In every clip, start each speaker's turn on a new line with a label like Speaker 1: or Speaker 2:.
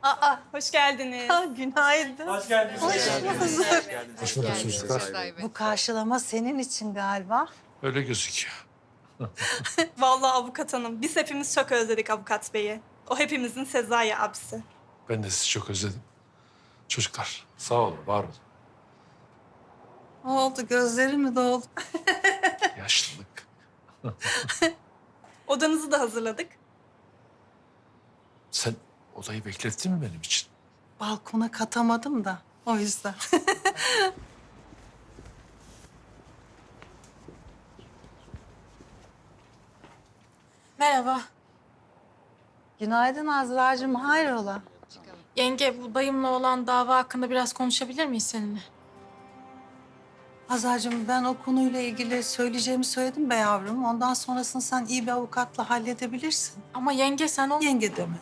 Speaker 1: Aa, hoş geldiniz.
Speaker 2: Günaydın.
Speaker 3: Hoş geldiniz.
Speaker 2: Hoş bulduk.
Speaker 4: Hoş bulduk çocuklar.
Speaker 2: Bu karşılama senin için galiba.
Speaker 4: Öyle gözüküyor.
Speaker 1: Vallahi avukat hanım, biz hepimiz çok özledik avukat beyi. O hepimizin Sezai abisi.
Speaker 4: Ben de sizi çok özledim. Çocuklar sağ olun, var olun.
Speaker 2: Ne oldu? Gözlerin mi doldu?
Speaker 4: Yaşlılık.
Speaker 1: Odanızı da hazırladık.
Speaker 4: Sen odayı beklettin mi benim için?
Speaker 2: Balkona katamadım da o yüzden.
Speaker 5: Merhaba.
Speaker 2: Günaydın Azra'cığım, hayrola?
Speaker 5: Yenge, bu dayımla olan dava hakkında biraz konuşabilir miyiz seninle?
Speaker 2: Azra'cığım ben o konuyla ilgili söyleyeceğimi söyledim be yavrum. Ondan sonrasını sen iyi bir avukatla halledebilirsin.
Speaker 5: Ama yenge sen o...
Speaker 2: Yenge deme.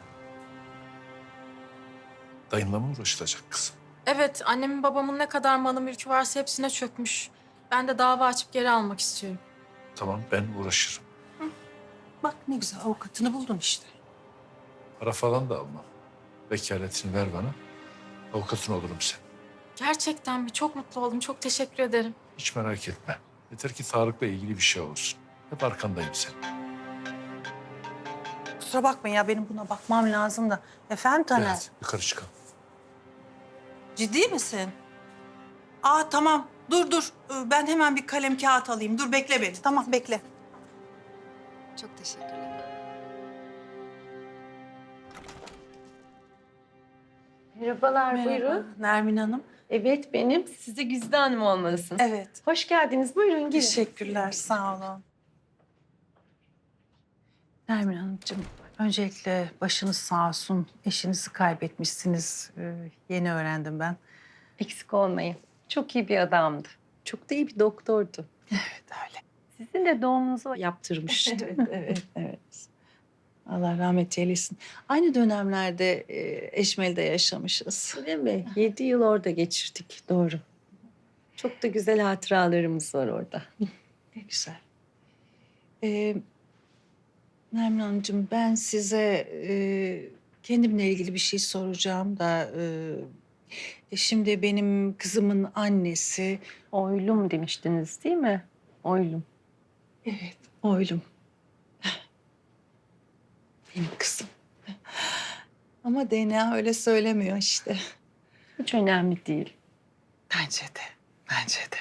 Speaker 4: Dayınla mı uğraşılacak kızım?
Speaker 5: Evet, annemin babamın ne kadar malı mülkü varsa hepsine çökmüş. Ben de dava açıp geri almak istiyorum.
Speaker 4: Tamam, ben uğraşırım.
Speaker 2: Bak ne güzel avukatını buldun işte.
Speaker 4: Para falan da almam. Vekaletini ver bana. Avukatın olurum sen.
Speaker 5: Gerçekten mi? Çok mutlu oldum. Çok teşekkür ederim.
Speaker 4: Hiç merak etme. Yeter ki Tarık'la ilgili bir şey olsun. Hep arkandayım senin.
Speaker 2: Kusura bakmayın ya benim buna bakmam lazım da. Efendim Taner?
Speaker 4: Evet, yukarı çıkalım.
Speaker 2: Ciddi misin? Aa tamam. Dur. Ben hemen bir kalem kağıt alayım. Dur bekle beni. Tamam bekle.
Speaker 6: Çok teşekkürler.
Speaker 7: Merhabalar, buyurun.
Speaker 2: Nermin Hanım.
Speaker 7: Evet, benim. Siz de Güzide Hanım olmalısınız.
Speaker 2: Evet.
Speaker 7: Hoş geldiniz, buyurun girin.
Speaker 2: Teşekkürler. Sağ olun. Nermin Hanımcığım, öncelikle başınız sağ olsun. Eşinizi kaybetmişsiniz. Yeni öğrendim ben.
Speaker 7: Eksik olmayın. Çok iyi bir adamdı. Çok da iyi bir doktordu.
Speaker 2: Evet öyle.
Speaker 7: Sizin de doğumunuzu yaptırmıştı.
Speaker 2: Evet. Allah rahmet eylesin. Aynı dönemlerde Eşmeli'de yaşamışız.
Speaker 7: Değil mi? 7 yıl orada geçirdik, doğru. Çok da güzel hatıralarımız var orada.
Speaker 2: Ne güzel. Nermin Hanımcığım ben size kendimle ilgili bir şey soracağım da... şimdi benim kızımın annesi...
Speaker 7: Oylum demiştiniz değil mi? Oylum.
Speaker 2: Evet, oğlum. Benim kızım. Ama DNA öyle söylemiyor işte.
Speaker 7: Hiç önemli değil.
Speaker 2: Bence de.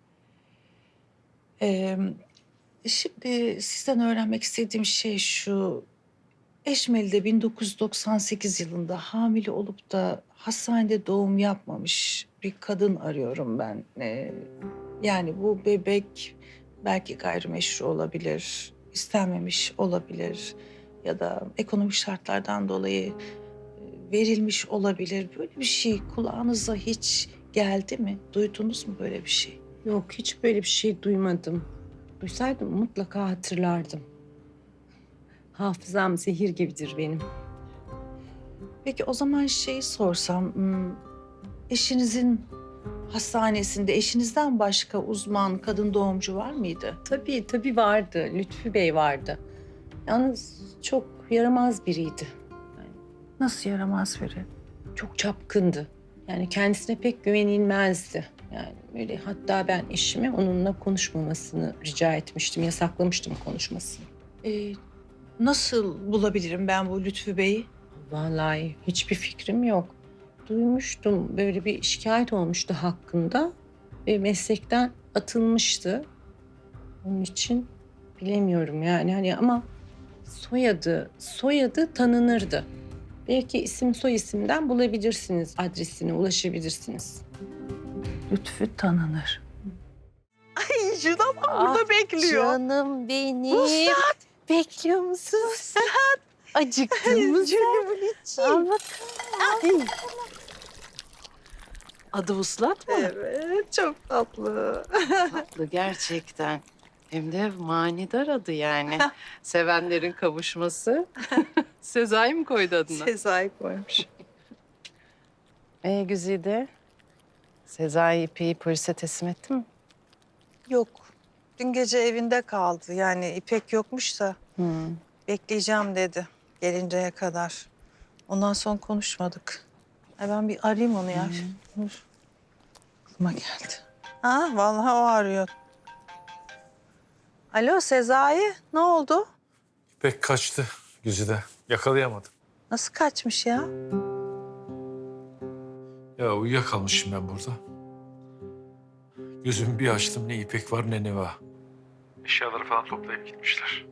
Speaker 2: Şimdi sizden öğrenmek istediğim şey şu. Eşmeli'de 1998 yılında hamile olup da hastanede doğum yapmamış bir kadın arıyorum ben. Yani bu bebek belki gayrimeşru olabilir, istenmemiş olabilir ya da ekonomik şartlardan dolayı verilmiş olabilir. Böyle bir şey kulağınıza hiç geldi mi? Duydunuz mu böyle bir şey?
Speaker 7: Yok, hiç böyle bir şey duymadım. Duysaydım mutlaka hatırlardım. Hafızam zehir gibidir benim.
Speaker 2: Peki o zaman şeyi sorsam, eşinizin hastanesinde eşinizden başka uzman kadın doğumcu var mıydı?
Speaker 7: Tabii vardı. Lütfü Bey vardı. Yalnız çok yaramaz biriydi.
Speaker 2: Nasıl yaramaz biri?
Speaker 7: Çok çapkındı. Yani kendisine pek güvenilmezdi. Yani öyle hatta ben eşime onunla konuşmamasını rica etmiştim. Yasaklamıştım konuşmasını.
Speaker 2: Nasıl bulabilirim ben bu Lütfü Bey'i?
Speaker 7: Vallahi hiçbir fikrim yok. Duymuştum böyle bir şikayet olmuştu hakkında ve meslekten atılmıştı. Onun için bilemiyorum yani hani ama soyadı tanınırdı. Belki isim soy isimden bulabilirsiniz, adresine ulaşabilirsiniz.
Speaker 2: Lütfü tanınır. Ay şuna bak burada bekliyor.
Speaker 7: Canım benim. Bekliyor musun? Acıktın mı sen? Al bakalım.
Speaker 2: Adı Vuslat mı? Evet, çok tatlı.
Speaker 8: Tatlı gerçekten. Hem de manidar adı yani. Sevenlerin kavuşması. Sezai mi koydu adını?
Speaker 2: Sezai koymuş.
Speaker 8: Güzide. Sezai İpek'i polise teslim etti mi?
Speaker 2: Yok, dün gece evinde kaldı. Yani İpek yokmuş da bekleyeceğim dedi gelinceye kadar. Ondan sonra konuşmadık. Ay ben bir arayayım onu ya. Dur. Aklıma geldi. Ha vallahi o arıyor. Alo Sezai, ne oldu?
Speaker 4: İpek kaçtı Güzide. Yakalayamadım.
Speaker 2: Nasıl kaçmış ya?
Speaker 4: Ya uyuyakalmışım ben burada. Gözümü bir açtım, ne İpek var ne Neva. Eşyaları falan toplayıp gitmişler.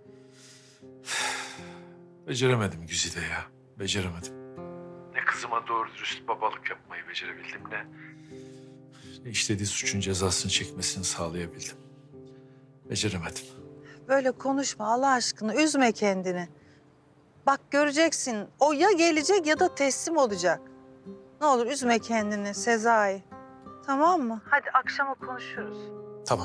Speaker 4: Beceremedim Güzide ya. Beceremedim. Ne kızıma doğru dürüst babalık yapmayı becerebildim, ne işlediği suçun cezasını çekmesini sağlayabildim. Beceremedim.
Speaker 2: Böyle konuşma Allah aşkına, üzme kendini. Bak göreceksin, o ya gelecek ya da teslim olacak. Ne olur üzme kendini Sezai. Tamam mı? Hadi akşama konuşuruz.
Speaker 4: Tamam.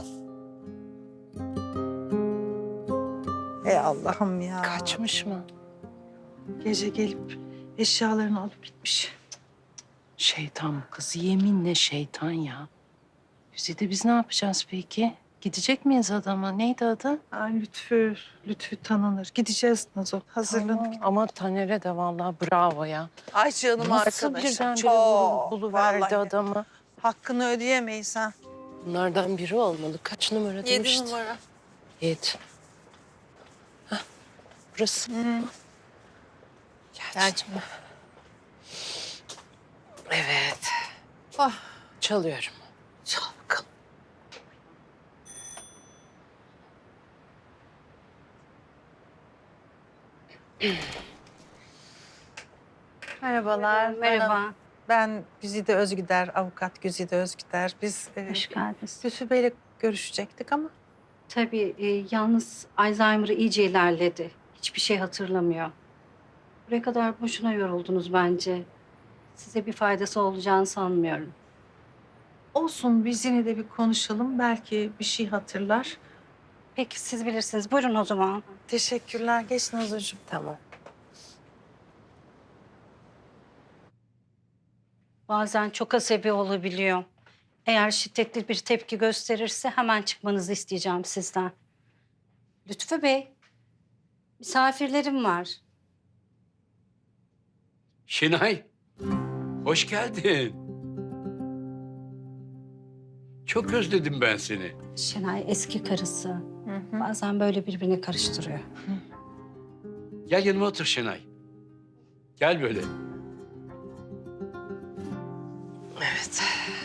Speaker 2: Ey Allah'ım ya.
Speaker 8: Kaçmış mı?
Speaker 2: Gece gelip eşyalarını alıp gitmiş.
Speaker 8: Şeytan bu kız. Yeminle şeytan ya. Güzide biz ne yapacağız peki? Gidecek miyiz adama? Neydi adı?
Speaker 2: Ay Lütfü tanınır. Gideceğiz Nazo. Hazırlanıp.
Speaker 8: Ama Taner'e de vallahi bravo ya.
Speaker 2: Ay canım
Speaker 8: Nasıl
Speaker 2: arkadaşım.
Speaker 8: birdenbire
Speaker 2: Çok.
Speaker 8: buluverdi
Speaker 2: Vallahi.
Speaker 8: adamı?
Speaker 2: Hakkını ödeyemeyiz ha.
Speaker 8: Bunlardan biri olmalı. Kaç numara demişti?
Speaker 5: 7 numara.
Speaker 8: 7. Hah, burası. Gel canım. Evet. Çalıyorum.
Speaker 2: Çal bakalım. Merhabalar.
Speaker 3: Merhaba,
Speaker 2: Ben Güzide Özgüder, avukat Güzide Özgüder. Biz
Speaker 3: hoş geldiniz.
Speaker 2: Lütfü Bey'le görüşecektik ama
Speaker 3: Tabii yalnız Alzheimer'ı iyice ilerledi. Hiçbir şey hatırlamıyor. Buraya kadar boşuna yoruldunuz bence. Size bir faydası olacağını sanmıyorum.
Speaker 2: olsun biz yine de bir konuşalım. Belki bir şey hatırlar.
Speaker 3: Peki siz bilirsiniz. Buyurun o zaman.
Speaker 2: Teşekkürler. Geç Nazocuğum.
Speaker 8: Tamam.
Speaker 3: Bazen çok asabi olabiliyor. Eğer şiddetli bir tepki gösterirse hemen çıkmanızı isteyeceğim sizden. Lütfü Bey, misafirlerim var.
Speaker 9: Şenay, hoş geldin. Çok özledim ben seni.
Speaker 3: Şenay eski karısı. Bazen böyle birbirine karıştırıyor.
Speaker 9: Gel yanıma otur Şenay. Gel böyle.
Speaker 8: Evet.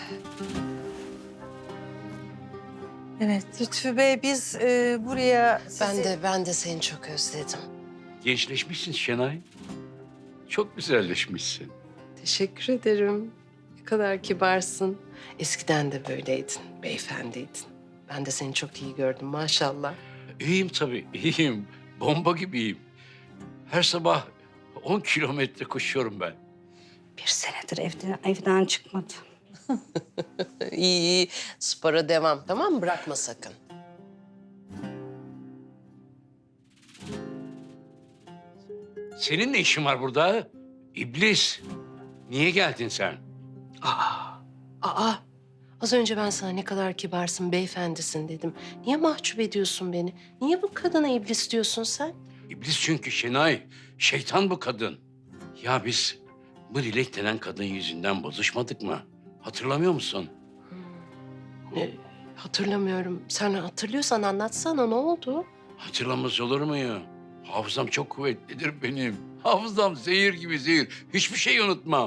Speaker 2: Evet Lütfü Bey biz buraya sizi...
Speaker 8: Ben de seni çok özledim.
Speaker 9: Gençleşmişsin Şenay. Çok güzelleşmişsin.
Speaker 8: Teşekkür ederim. Ne kadar kibarsın. Eskiden de böyleydin, beyefendiydin. Ben de seni çok iyi gördüm maşallah.
Speaker 9: İyiyim tabii, iyiyim. Bomba gibiyim. Her sabah 10 kilometre koşuyorum ben.
Speaker 3: Bir senedir evden çıkmadı.
Speaker 8: İyi. Spora devam, tamam mı? Bırakma sakın.
Speaker 9: Senin ne işin var burada? İblis. Niye geldin sen?
Speaker 8: Aa. Az önce ben sana ne kadar kibarsın, beyefendisin dedim. Niye mahcup ediyorsun beni? Niye bu kadına iblis diyorsun sen?
Speaker 9: İblis çünkü Şenay. Şeytan bu kadın. Ya biz bu Dilek denen kadın yüzünden bozuşmadık mı? Hatırlamıyor musun?
Speaker 8: Hatırlamıyorum. Sen hatırlıyorsan anlatsana, ne oldu?
Speaker 9: Hatırlamaz olur muyum? Hafızam çok kuvvetlidir benim. Hafızam zehir gibi zehir. Hiçbir şey unutmam.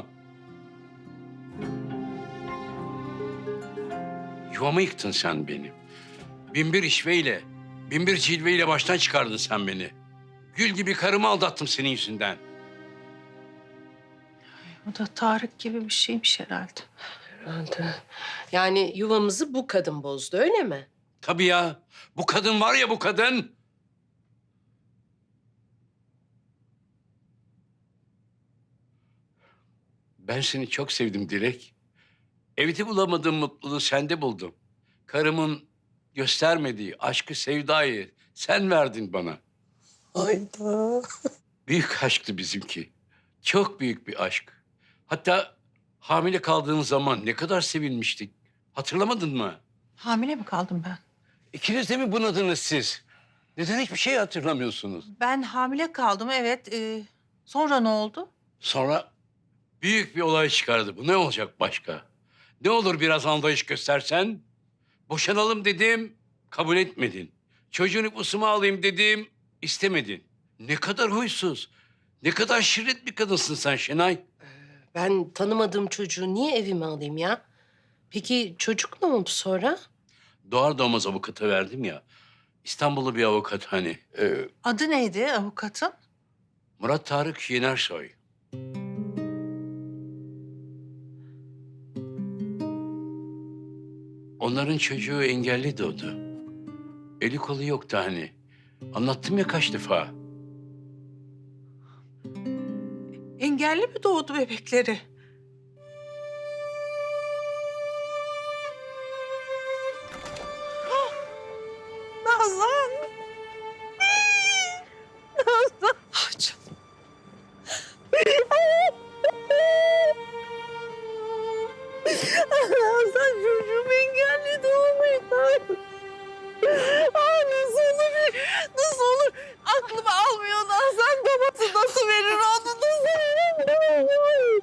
Speaker 9: Yuvamı yıktın sen benim. Binbir işveyle, binbir cilveyle baştan çıkardın sen beni. Gül gibi karımı aldattım senin yüzünden.
Speaker 2: O da Tarık gibi bir şeymiş herhalde.
Speaker 8: Yani yuvamızı bu kadın bozdu, öyle mi?
Speaker 9: Tabii ya. Bu kadın var ya bu kadın. Ben seni çok sevdim Dilek. Evde bulamadığım mutluluğu sende buldum. Karımın göstermediği aşkı, sevdayı sen verdin bana.
Speaker 8: Hayda.
Speaker 9: Büyük aşktı bizimki. Çok büyük bir aşk. Hatta hamile kaldığın zaman ne kadar sevinmiştik. Hatırlamadın mı?
Speaker 2: Hamile mi kaldım ben?
Speaker 9: İkiniz de mi bunadınız siz? Neden hiçbir şey hatırlamıyorsunuz?
Speaker 2: Ben hamile kaldım evet. Sonra ne oldu?
Speaker 9: Sonra büyük bir olay çıkardı. Bu ne olacak başka? Ne olur biraz anlayış göstersen. Boşanalım dedim, kabul etmedin. Çocuğun nüfusuma alayım dedim, istemedin. Ne kadar huysuz, ne kadar şirret bir kadınsın sen Şenay.
Speaker 8: Ben tanımadığım çocuğu niye evime alayım ya? Peki çocuk ne oldu sonra?
Speaker 9: Doğar doğmaz avukata verdim ya. İstanbullu bir avukat hani.
Speaker 2: Adı neydi avukatın?
Speaker 9: Murat Tarık Yenersoy. Onların çocuğu engelli doğdu. Eli kolu yoktu hani. Anlattım ya kaç defa.
Speaker 2: Engelli mi doğdu bebekleri? Nazan. Nazan. Ah canım. Nazan çocuğum engelli doğmuyor. Ah nasıl olur? Nasıl olur? Aklım almıyor Nazan. Babası nasıl verir onu? Nasıl verir?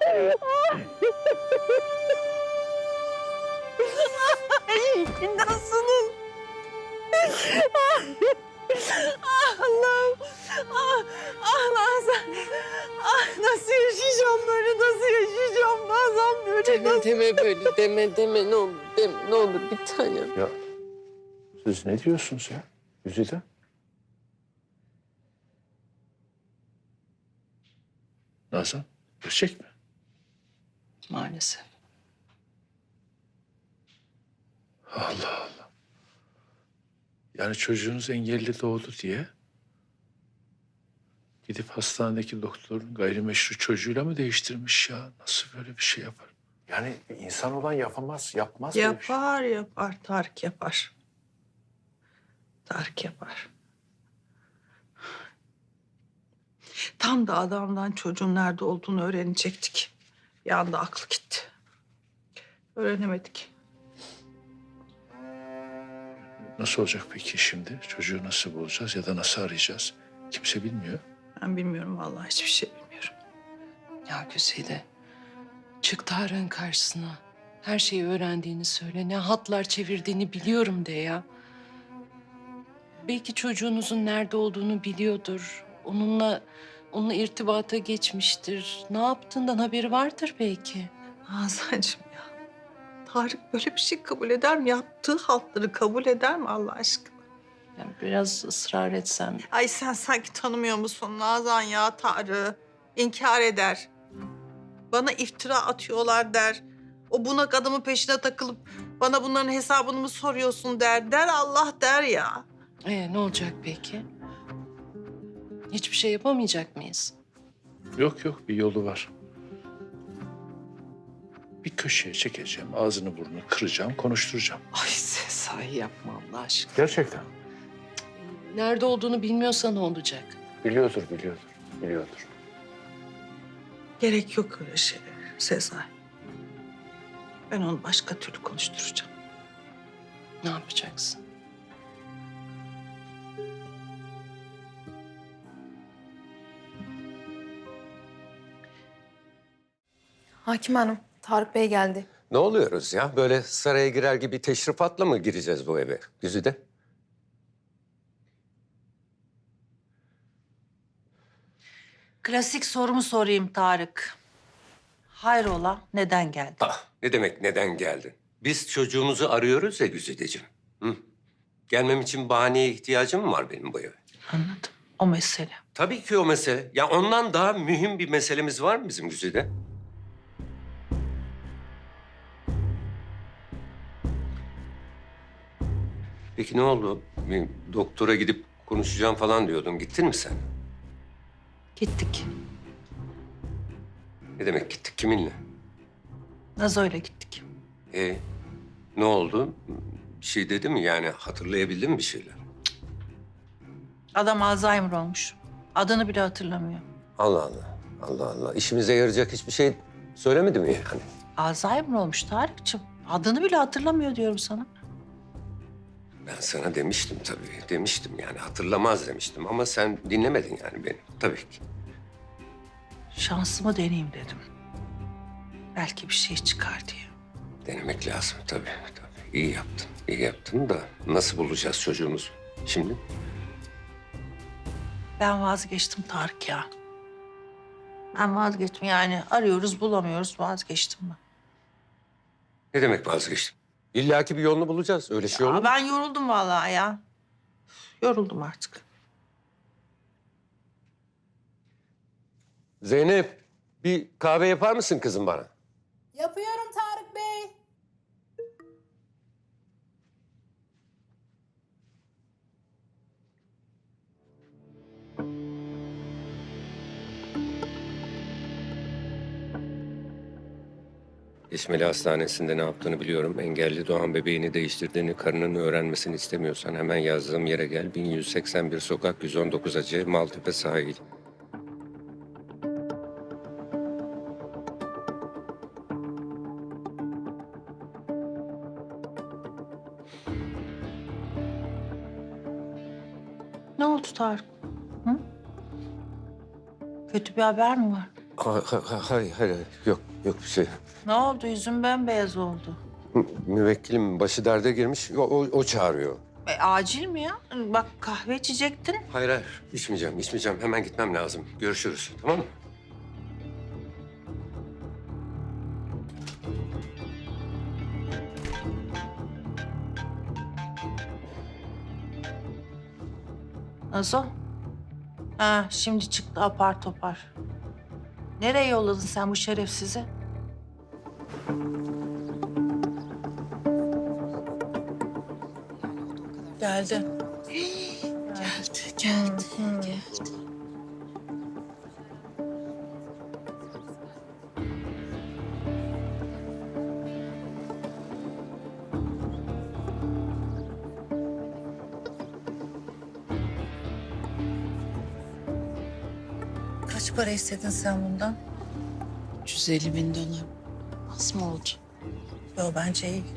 Speaker 2: Ay, nasıl? Ah Allah'ım. Nazan. Nasıl yaşayacağım böyle? Nasıl yaşayacağım Nazan böyle?
Speaker 8: Deme böyle, deme ne olur, ne olur bir tanem.
Speaker 4: Ya siz ne diyorsunuz ya Güzide? Nazan, gerçek mi?
Speaker 2: Maalesef.
Speaker 4: Allah Allah. Yani çocuğunuz engelli doğdu diye gidip hastanedeki doktorun gayrimeşru çocuğuyla mı değiştirmiş ya? Nasıl böyle bir şey yapar? Yani insan olan yapamaz, yapmaz böyle bir şey.
Speaker 2: Yapar. Tarık yapar. Tarık yapar. Tam da adamdan çocuğun nerede olduğunu öğrenecektik. Bir anda aklı gitti. Öğrenemedik.
Speaker 4: Nasıl olacak peki şimdi? Çocuğu nasıl bulacağız ya da nasıl arayacağız? Kimse bilmiyor.
Speaker 2: Ben bilmiyorum vallahi hiçbir şey bilmiyorum.
Speaker 8: Ya Güzide, çık Tarık'ın karşısına. Her şeyi öğrendiğini söyle, ne hatlar çevirdiğini biliyorum de ya. Belki çocuğunuzun nerede olduğunu biliyordur. Onunla irtibata geçmiştir. Ne yaptığından haberi vardır belki.
Speaker 2: Hazancığım ya. Tarık böyle bir şey kabul eder mi? Yaptığı haltları kabul eder mi Allah aşkına?
Speaker 8: Yani biraz ısrar etsem.
Speaker 2: Ay sen sanki tanımıyor musun Nazan ya Tarık'ı? İnkar eder. Bana iftira atıyorlar der. O bunak adamın peşine takılıp bana bunların hesabını mı soruyorsun der. Der Allah der ya.
Speaker 8: Ne olacak peki? Hiçbir şey yapamayacak mıyız?
Speaker 4: Yok bir yolu var. Bir köşeye çekeceğim, ağzını burnunu kıracağım, konuşturacağım.
Speaker 2: Ay Sezai yapma Allah aşkına.
Speaker 4: Gerçekten.
Speaker 8: Nerede olduğunu bilmiyorsa ne olacak?
Speaker 4: Biliyordur.
Speaker 2: Gerek yok öyle şeylere Sezai. Ben onu başka türlü konuşturacağım.
Speaker 8: Ne yapacaksın?
Speaker 5: Hakim Hanım, Tarık Bey geldi.
Speaker 10: Ne oluyoruz ya? Böyle saraya girer gibi teşrifatla mı gireceğiz bu eve? Güzide.
Speaker 2: Klasik sorumu sorayım Tarık. Hayrola neden geldin?
Speaker 10: Ne demek neden geldin? Biz çocuğumuzu arıyoruz ya Güzideciğim. Hı? Gelmem için bahaneye ihtiyacım mı var benim bu eve?
Speaker 2: Anladım. O mesele.
Speaker 10: Tabii ki o mesele. Ya ondan daha mühim bir meselemiz var mı bizim Güzide? Peki ne oldu? Bir doktora gidip konuşacağım falan diyordun. Gittin mi sen?
Speaker 2: Gittik.
Speaker 10: Ne demek gittik? Kiminle?
Speaker 2: Nazo'yla gittik.
Speaker 10: Ne oldu? Bir şey dedi mi? Yani hatırlayabildin mi bir şeyler?
Speaker 2: Adam Alzheimer olmuş. Adını bile hatırlamıyor.
Speaker 10: Allah Allah. Allah Allah. İşimize yarayacak hiçbir şey söylemedi mi yani?
Speaker 2: Alzheimer olmuş Tarık'cığım. Adını bile hatırlamıyor diyorum sana.
Speaker 10: Ben sana demiştim tabii. Demiştim yani hatırlamaz demiştim ama sen dinlemedin yani beni. Tabii ki.
Speaker 2: Şansımı deneyeyim dedim. Belki bir şey çıkar diye.
Speaker 10: Denemek lazım tabii, tabii. İyi yaptın, iyi yaptın da nasıl bulacağız çocuğumuzu şimdi?
Speaker 2: Ben vazgeçtim Tarık ya. Ben vazgeçtim yani. Arıyoruz bulamıyoruz, vazgeçtim ben.
Speaker 10: Ne demek vazgeçtim? İlla ki bir yolunu bulacağız. Öyle şey olur mu?
Speaker 2: Ben yoruldum vallahi ya. Yoruldum artık.
Speaker 10: Zeynep, bir kahve yapar mısın kızım bana?
Speaker 11: Yapıyorum Tarık Bey.
Speaker 10: İsmail Hastanesi'nde ne yaptığını biliyorum. Engelli doğan bebeğini değiştirdiğini, karının öğrenmesini istemiyorsan hemen yazdığım yere gel. 1181 sokak 119 AC Maltepe sahil.
Speaker 2: Ne oldu Tarık? Hı? Kötü bir haber mi var?
Speaker 10: Hayır, yok bir şey.
Speaker 2: Ne oldu? Yüzün bembeyaz oldu.
Speaker 10: Müvekkilim başı derde girmiş, o çağırıyor.
Speaker 2: Acil mi ya? Bak kahve içecektin.
Speaker 10: Hayır, içmeyeceğim. Hemen gitmem lazım. Görüşürüz, tamam mı?
Speaker 2: Nasıl? Ha, şimdi çıktı apar topar. Nereye yolladın sen bu şerefsizi? Geldi. Geldi. Kaç para istedin sen bundan?
Speaker 7: 150.000 dolar. Az mı oldu?
Speaker 2: Yo bence iyi.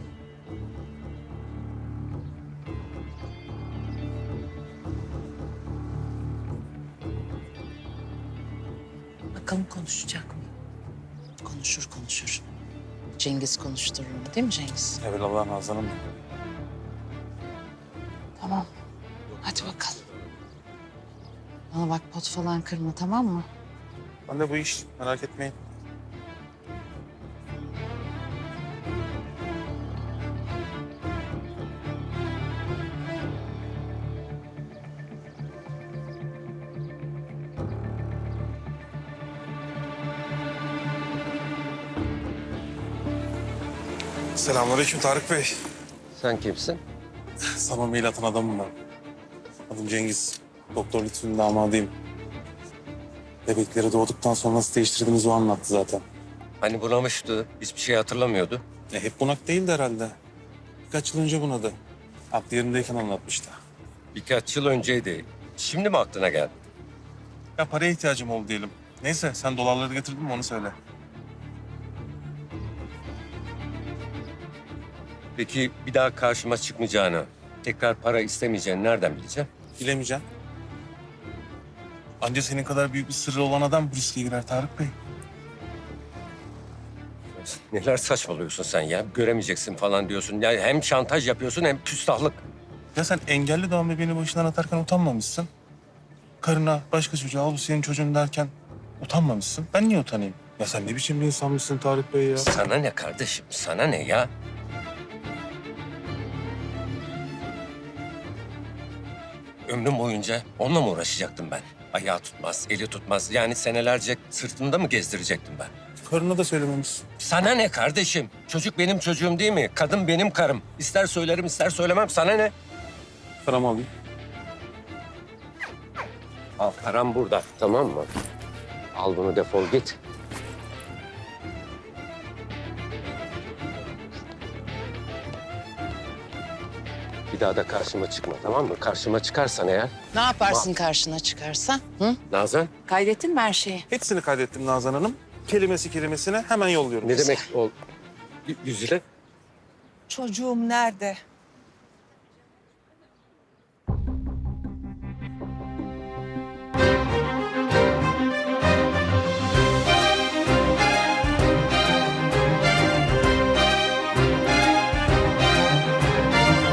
Speaker 2: Bakalım konuşacak mı?
Speaker 7: Konuşur. Cengiz konuşturur mu değil mi Cengiz?
Speaker 12: Evet Allah'ın Nazan'ım.
Speaker 7: Tamam. Hadi bakalım. Bana bak pot falan kırma tamam mı?
Speaker 12: Ben de bu iş, merak etmeyin. Selamünaleyküm Tarık Bey.
Speaker 10: Sen kimsin?
Speaker 12: Sana mail atan adamım ben. Adım Cengiz. Doktor Lütfü'nün damadıyım. Bebekleri doğduktan sonra nasıl değiştirdiğimizi o anlattı zaten.
Speaker 10: Hani bunamıştı, hiçbir şey hatırlamıyordu.
Speaker 12: Hep bunak değildi herhalde. Birkaç yıl önce bunadı. Aklı yerindeyken anlatmıştı.
Speaker 10: Birkaç yıl önceydi. Şimdi mi aklına geldi?
Speaker 12: Ya paraya ihtiyacım oldu diyelim. Neyse sen dolarları getirdin mi onu söyle.
Speaker 10: Peki bir daha karşıma çıkmayacağını, tekrar para istemeyeceğini nereden bileceğim?
Speaker 12: Bilemeyeceğim. Anca senin kadar büyük bir sırrı olan adam bu riske girer Tarık Bey.
Speaker 10: Neler saçmalıyorsun sen ya? Göremeyeceksin falan diyorsun. Ya hem şantaj yapıyorsun hem küstahlık.
Speaker 12: Ya sen engelli doğan bebeğini başından atarken utanmamışsın. Karına, başka çocuğa al bu senin çocuğun derken utanmamışsın. Ben niye utanayım? Ya sen ne biçim bir insanmışsın Tarık Bey ya?
Speaker 10: Sana ne kardeşim? Sana ne ya? Ömrüm boyunca onunla mı uğraşacaktım ben? Ayağı tutmaz, eli tutmaz. Yani senelerce sırtımda mı gezdirecektim ben?
Speaker 12: Karına da söylememişsin.
Speaker 10: Sana ne kardeşim? Çocuk benim çocuğum değil mi? Kadın benim karım. İster söylerim, ister söylemem. Sana ne?
Speaker 12: Paramı alayım.
Speaker 10: Al, param burada. Tamam mı? Al bunu, defol git. Bir daha da karşıma çıkma, tamam mı? Karşıma çıkarsan eğer...
Speaker 7: Ne yaparsın karşına çıkarsa? Hı?
Speaker 10: Nazan,
Speaker 7: Kaydettin mi her şeyi?
Speaker 12: Hepsini kaydettim Nazan Hanım. Kelimesine hemen yolluyorum.
Speaker 10: ne demek o... Güzide?
Speaker 2: Çocuğum nerede?